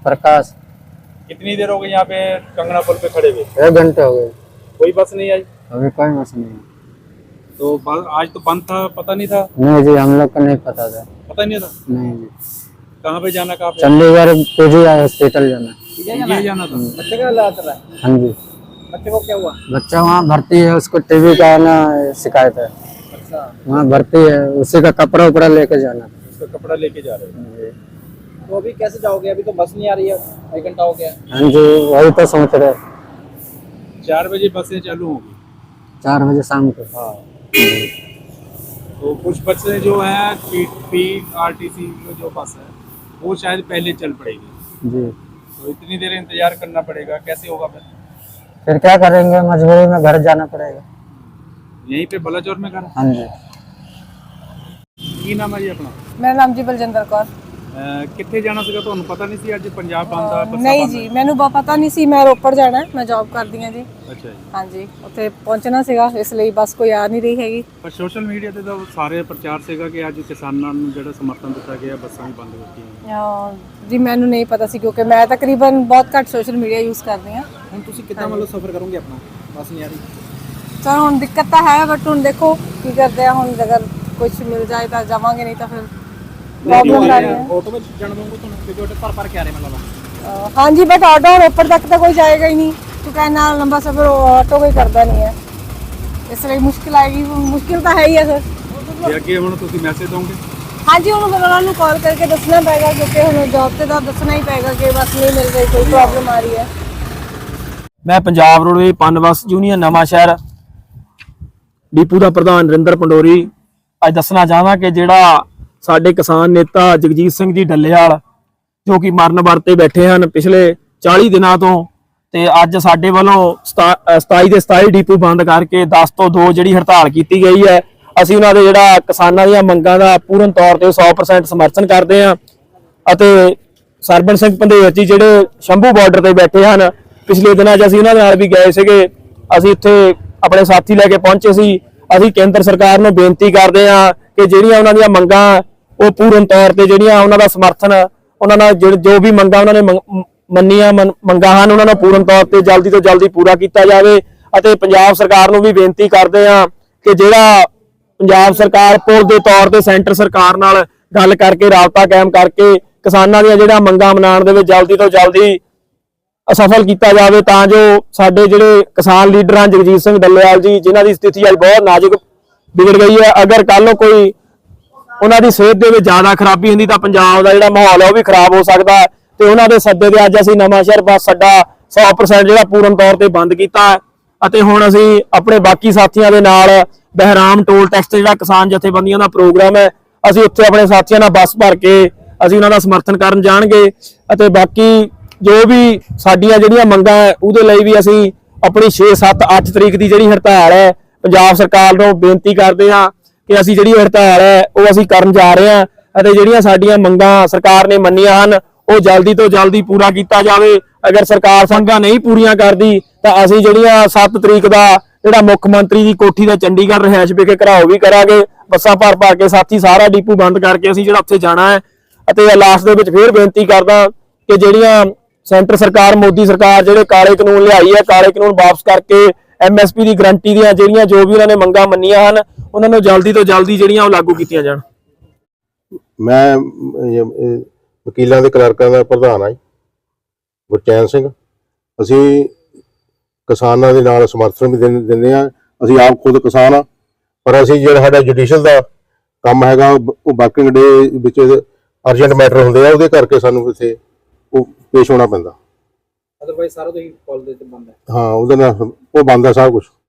प्रकाश। कितनी देर हो गई यहाँ पे कंगना पुल पे खड़े हुए? 1 घंटे हो गए। कोई बस नहीं आई? अभी कोई बस नहीं। तो आज तो बंद था, पता नहीं था? नहीं जी, हम लोग को नहीं पता था। पता नहीं था? नहीं जी। कहाँ पे जाना, कहाँ पे? चंडीगढ़ पीजीआई हॉस्पिटल जाना। ये जाना था। बच्चे का हालात रहा है? हाँ जी। बच्चे को क्या हुआ? बच्चा वहाँ भर्ती है, उसको टीबी का ना शिकायत है। अच्छा, वहाँ भर्ती है, उसी का कपड़ा उपड़ा लेके जाना। उसका कपड़ा लेके जा रहे हैं। तो अभी कैसे जाओगे? अभी तो बस नहीं आ रही है, 1 घंटा हो गया। हाँ जी, वही तो सोच रहे। 4 बजे बसें चालू होंगी। 4 बजे शाम को। हाँ। तो कुछ बसें जो है PRTC जो बस है वो शायद पहले चल पड़ेगी जी। तो इतनी देर इंतजार करना पड़ेगा, कैसे होगा फिर क्या करेंगे, मजबूरी में घर जाना पड़ेगा। यहीं पे बलाचौर में घर? हाँ जी। की नाम है जी अपना? मेरा नाम जी बलजिंदर कौर। कितने जाना ਸੀਗਾ ਤੁਹਾਨੂੰ ਪਤਾ ਨਹੀਂ ਸੀ ਅੱਜ ਪੰਜਾਬ ਬੰਦ ਆ? ਨਹੀਂ ਜੀ, ਮੈਨੂੰ ਪਤਾ ਨਹੀਂ ਸੀ। ਮੈਂ ਰੋਪੜ ਜਾਣਾ ਹੈ, ਮੈਂ ਜੌਬ ਕਰਦੀ ਹਾਂ ਜੀ। ਅੱਛਾ ਜੀ। ਹਾਂਜੀ, ਉੱਥੇ ਪਹੁੰਚਣਾ ਸੀਗਾ, ਇਸ ਲਈ ਬੱਸ ਕੋਈ ਆ ਨਹੀਂ ਰਹੀ ਹੈਗੀ। ਪਰ ਸੋਸ਼ਲ ਮੀਡੀਆ ਤੇ ਤਾਂ ਸਾਰੇ ਪ੍ਰਚਾਰ ਸੀਗਾ ਕਿ ਅੱਜ ਕਿਸਾਨਾਂ ਨੂੰ ਜਿਹੜਾ ਸਮਰਥਨ ਦਿੱਤਾ ਗਿਆ, ਬੱਸਾਂ ਵੀ ਬੰਦ ਕੀਤੀਆਂ। ਜੀ ਮੈਨੂੰ ਨਹੀਂ ਪਤਾ ਸੀ, ਕਿਉਂਕਿ ਮੈਂ ਤਕਰੀਬਨ ਬਹੁਤ ਘੱਟ ਸੋਸ਼ਲ ਮੀਡੀਆ ਯੂਜ਼ ਕਰਦੀ ਹਾਂ। ਹੁਣ ਤੁਸੀਂ ਕਿੱਦਾਂ ਮਤਲਬ ਸਫ਼ਰ ਕਰੋਗੇ ਆਪਣਾ? ਬਸ ਨਹੀਂ ਆ ਰਹੀ। ਚਲੋ ਹੁਣ ਦਿੱਕਤ ਤਾਂ ਹੈ, ਬਟ ਹੁਣ ਦੇਖੋ ਕੀ ਕਰਦੇ ਆ। ਹੁਣ ਅਗਰ ਕੁਝ ਮਿਲ ਜਾਏ ਤਾਂ ਜਾਵਾਂਗੇ, ਨਹੀਂ ਤਾਂ ਫਿਰ ਪ੍ਰੋਬਲਮ ਆ ਰਹੀ ਹੈ। ਆਟੋ ਵਿੱਚ ਜਾਣਾ ਪਊਗਾ ਤੁਹਾਨੂੰ, ਕਿਉਂਕਿ ਆਟੋ ਭਰ ਕੇ ਆ ਰਹੇ ਮਤਲਬ। ਹਾਂਜੀ, ਬਟ ਆਟੋ ਰੋਪੜ ਤੱਕ ਤਾਂ ਕੋਈ ਜਾਏਗਾ ਹੀ ਨਹੀਂ, ਕਿਉਂਕਿ ਇੰਨਾ ਲੰਬਾ ਸਫ਼ਰ ਆਟੋ ਕੋਈ ਕਰਦਾ ਨਹੀਂ ਹੈ। ਇਸ ਲਈ ਮੁਸ਼ਕਿਲ ਆਏਗੀ। ਮੁਸ਼ਕਿਲ ਤਾਂ ਹੈ ਹੀ ਹੈ ਸਰ। ਤੇ ਅੱਗੇ ਹੁਣ ਤੁਸੀਂ ਮੈਸੇਜ ਦੋਗੇ? ਹਾਂਜੀ, ਹੁਣ ਫਿਰ ਉਹਨਾਂ ਨੂੰ ਕਾਲ ਕਰਕੇ ਦੱਸਣਾ ਪਏਗਾ, ਕਿਉਂਕਿ ਹੁਣ ਜੌਬ ਤੇ ਤਾਂ ਦੱਸਣਾ ਹੀ ਪਏਗਾ ਕਿ ਬਸ ਨਹੀਂ ਮਿਲ ਰਹੀ, ਕੋਈ ਪ੍ਰੋਬਲਮ ਆ ਰਹੀ ਹੈ। ਮੈਂ ਪੰਜਾਬ ਰੋਡਵੇਜ਼ ਪਨ ਬੱਸ ਯੂਨੀਅਨ ਨਵਾਂ ਸ਼ਹਿਰ ਡਿਪੂ ਦਾ ਪ੍ਰਧਾਨ ਨਰਿੰਦਰ ਪੰਡੋਰੀ ਅੱਜ ਦੱਸਣਾ ਚਾਹੁੰਦਾ ਕਿ ਜਿਹੜਾ ਸਾਡੇ ਕਿਸਾਨ ਨੇਤਾ ਜਗਜੀਤ ਸਿੰਘ ਜੀ ਡੱਲੇਵਾਲ ਜੋ ਕਿ ਮਰਨ ਵਰਤੇ ਬੈਠੇ ਹਨ ਪਿਛਲੇ 40 ਦਿਨਾਂ ਤੋਂ, ਤੇ ਅੱਜ ਸਾਡੇ ਵੱਲੋਂ 27 ਦੇ 27 ਡਿਪੂ ਬੰਦ ਕਰਕੇ 10 ਤੋਂ 2 ਜਿਹੜੀ ਹੜਤਾਲ ਕੀਤੀ ਗਈ ਹੈ। ਅਸੀਂ ਉਹਨਾਂ ਦੇ ਜਿਹੜਾ ਕਿਸਾਨਾਂ ਦੀਆਂ ਮੰਗਾਂ ਦਾ ਪੂਰਨ ਤੌਰ ਤੇ 100% ਸਮਰਥਨ ਕਰਦੇ ਹਾਂ ਅਤੇ ਸਰਬਣ ਸਿੰਘ ਪੰਧੇਰ ਜੀ ਜਿਹੜੇ ਸ਼ੰਭੂ ਬਾਰਡਰ ਤੇ ਬੈਠੇ ਹਨ, ਪਿਛਲੇ ਦਿਨਾਂ 'ਚ ਅਸੀਂ ਉਹਨਾਂ ਨਾਲ ਵੀ ਗਏ ਸੀਗੇ। ਅਸੀਂ ਇੱਥੇ ਆਪਣੇ ਸਾਥੀ ਲੈ ਕੇ ਪਹੁੰਚੇ ਸੀ। ਅਸੀਂ ਕੇਂਦਰ ਸਰਕਾਰ ਨੂੰ ਬੇਨਤੀ ਕਰਦੇ ਹਾਂ ਕਿ ਜਿਹੜੀਆਂ ਉਹਨਾਂ ਦੀਆਂ ਮੰਗਾਂ ਉਹ ਪੂਰਨ ਤੌਰ ਤੇ ਜਿਹੜੀਆਂ ਉਹਨਾਂ ਦਾ ਸਮਰਥਨ, ਉਹਨਾਂ ਨਾਲ ਜੋ ਵੀ ਮੰਗਾਂ ਉਹਨਾਂ ਨੇ ਮੰਨੀਆਂ ਮੰਗਾਂ ਹਨ, ਉਹਨਾਂ ਨੂੰ ਪੂਰਨ ਤੌਰ ਤੇ ਜਲਦੀ ਤੋਂ ਜਲਦੀ ਪੂਰਾ ਕੀਤਾ ਜਾਵੇ। ਅਤੇ ਪੰਜਾਬ ਸਰਕਾਰ ਨੂੰ ਵੀ ਬੇਨਤੀ ਕਰਦੇ ਹਾਂ ਕਿ ਜਿਹੜਾ ਪੰਜਾਬ ਸਰਕਾਰ ਪੁਲ ਦੇ ਤੌਰ ਤੇ ਸੈਂਟਰ ਸਰਕਾਰ ਨਾਲ ਗੱਲ ਕਰਕੇ ਰਾਬਤਾ ਕਾਇਮ ਕਰਕੇ ਕਿਸਾਨਾਂ ਦੀਆਂ ਜਿਹੜਾ ਮੰਗਾਂ ਮਨਾਉਣ ਦੇ ਵਿੱਚ ਜਲਦੀ ਤੋਂ ਜਲਦੀ ਅਸਫਲ ਕੀਤਾ ਜਾਵੇ, ਤਾਂ ਜੋ ਸਾਡੇ ਜਿਹੜੇ ਕਿਸਾਨ ਲੀਡਰ ਹਨ ਜਗਜੀਤ ਸਿੰਘ ਡੱਲੇਵਾਲ ਜੀ, ਜਿਨ੍ਹਾਂ ਦੀ ਸਥਿਤੀ ਅੱਜ ਬਹੁਤ ਨਾਜ਼ੁਕ ਵਿਗੜ ਗਈ ਹੈ, ਅਗਰ ਕੱਲ ਨੂੰ ਕੋਈ ਉਹਨਾਂ ਦੀ ਸਿਹਤ ਦੇ ਵਿੱਚ ਜ਼ਿਆਦਾ ਖਰਾਬੀ ਹੁੰਦੀ ਤਾਂ ਪੰਜਾਬ ਦਾ ਜਿਹੜਾ ਮਾਹੌਲ ਹੈ ਉਹ ਵੀ ਖਰਾਬ ਹੋ ਸਕਦਾ ਹੈ। ਤੇ ਉਹਨਾਂ ਦੇ ਸੱਦੇ ਤੇ ਅੱਜ ਅਸੀਂ ਨਵਾਂ ਸ਼ਹਿਰ ਬੱਸ ਅੱਡਾ 100% ਜਿਹੜਾ ਪੂਰਨ ਤੌਰ ਤੇ ਬੰਦ ਕੀਤਾ ਹੈ। ਅਤੇ ਹੁਣ ਅਸੀਂ ਆਪਣੇ ਬਾਕੀ ਸਾਥੀਆਂ ਦੇ ਨਾਲ ਬਹਿਰਾਮ ਟੋਲ ਟੈਕਸ ਤੇ ਜਿਹੜਾ ਕਿਸਾਨ ਜਥੇਬੰਦੀਆਂ ਦਾ ਪ੍ਰੋਗਰਾਮ ਹੈ, ਅਸੀਂ ਉੱਥੇ ਆਪਣੇ ਸਾਥੀਆਂ ਨਾਲ ਬੱਸ ਭਰ ਕੇ ਅਸੀਂ ਉਹਨਾਂ ਦਾ ਸਮਰਥਨ ਕਰਨ ਜਾਣਗੇ। ਅਤੇ ਬਾਕੀ ਜੋ ਵੀ ਸਾਡੀਆਂ ਜਿਹੜੀਆਂ ਮੰਗਾਂ ਹੈ ਉਹਦੇ ਲਈ ਵੀ ਅਸੀਂ ਆਪਣੀ 6, 7, 8 ਤਰੀਕ ਦੀ ਜਿਹੜੀ ਹੜਤਾਲ ਹੈ ਪੰਜਾਬ ਸਰਕਾਰ ਨੂੰ ਬੇਨਤੀ ਕਰਦੇ ਹਾਂ ਕਿ ਅਸੀਂ ਜਿਹੜੀ ਹੜਤਾਲ ਹੈ ਉਹ ਅਸੀਂ ਕਰਨ ਜਾ ਰਹੇ ਹਾਂ ਅਤੇ ਜਿਹੜੀਆਂ ਸਾਡੀਆਂ ਮੰਗਾਂ ਸਰਕਾਰ ਨੇ ਮੰਨੀਆਂ ਹਨ ਉਹ ਜਲਦੀ ਤੋਂ ਜਲਦੀ ਪੂਰਾ ਕੀਤਾ ਜਾਵੇ। ਅਗਰ ਸਰਕਾਰ ਮੰਗਾਂ ਨਹੀਂ ਪੂਰੀਆਂ ਕਰਦੀ ਤਾਂ ਅਸੀਂ ਜਿਹੜੀਆਂ 7 ਤਰੀਕ ਦਾ ਜਿਹੜਾ ਮੁੱਖ ਮੰਤਰੀ ਦੀ ਕੋਠੀ ਦਾ ਚੰਡੀਗੜ੍ਹ ਰਿਹਾਇਸ਼ ਵਿਖੇ ਘਰਾਓ ਵੀ ਕਰਾਂਗੇ। ਬੱਸਾਂ ਭਰ ਕੇ ਸਾਥੀ ਸਾਰਾ ਡਿਪੂ ਬੰਦ ਕਰਕੇ ਅਸੀਂ ਜਿਹੜਾ ਉੱਥੇ ਜਾਣਾ ਹੈ। ਅਤੇ ਲਾਸਟ ਦੇ ਵਿੱਚ ਫੇਰ ਬੇਨਤੀ ਕਰਦਾ ਕਿ ਜਿਹੜੀਆਂ ਸੈਂਟਰ ਸਰਕਾਰ ਮੋਦੀ ਸਰਕਾਰ ਜਿਹੜੇ ਕਾਲੇ ਕਾਨੂੰਨ ਲਿਆਈ ਹੈ, ਕਾਲੇ ਕਾਨੂੰਨ ਵਾਪਸ ਕਰਕੇ MSP ਦੀ ਗਰੰਟੀ ਦੀਆਂ ਜਿਹੜੀਆਂ ਜੋ ਵੀ ਉਹਨਾਂ ਨੇ ਮੰਗਾਂ ਮੰਨੀਆਂ ਹਨ ਉਹਨਾਂ ਨੂੰ ਜਲਦੀ ਤੋਂ ਜਲਦੀ ਜਿਹੜੀਆਂ ਉਹ ਲਾਗੂ ਕੀਤੀਆਂ ਜਾਣ। ਮੈਂ ਵਕੀਲਾਂ ਦੇ ਕਲਰਕਾਂ ਦਾ ਪ੍ਰਧਾਨ ਹਾਂ ਗੁਰਚੈਨ ਸਿੰਘ। ਅਸੀਂ ਕਿਸਾਨਾਂ ਦੇ ਨਾਲ ਸਮਰਥਨ ਵੀ ਦਿੰਦੇ ਹਾਂ। ਅਸੀਂ ਆਪ ਖੁਦ ਕਿਸਾਨ ਹਾਂ, ਪਰ ਅਸੀਂ ਜਿਹੜਾ ਸਾਡਾ ਜੁਡੀਸ਼ੀਅਲ ਦਾ ਕੰਮ ਹੈਗਾ ਉਹ ਵਰਕਿੰਗ ਡੇ ਵਿੱਚ ਅਰਜੈਂਟ ਮੈਟਰ ਹੁੰਦੇ ਆ, ਉਹਦੇ ਕਰਕੇ ਸਾਨੂੰ ਇੱਥੇ ਉਹ ਪੇਸ਼ ਹੋਣਾ ਪੈਂਦਾ। ਅਦਰਵਾਈਜ਼ ਸਾਰਾ ਤੋਂ ਹੀ ਕਾਲ ਦੇ ਤੇ ਬੰਦ ਹੈ। ਹਾਂ, ਉਹਦੇ ਨਾਲ ਉਹ ਬੰਦ ਹੈ ਸਭ ਕੁਝ।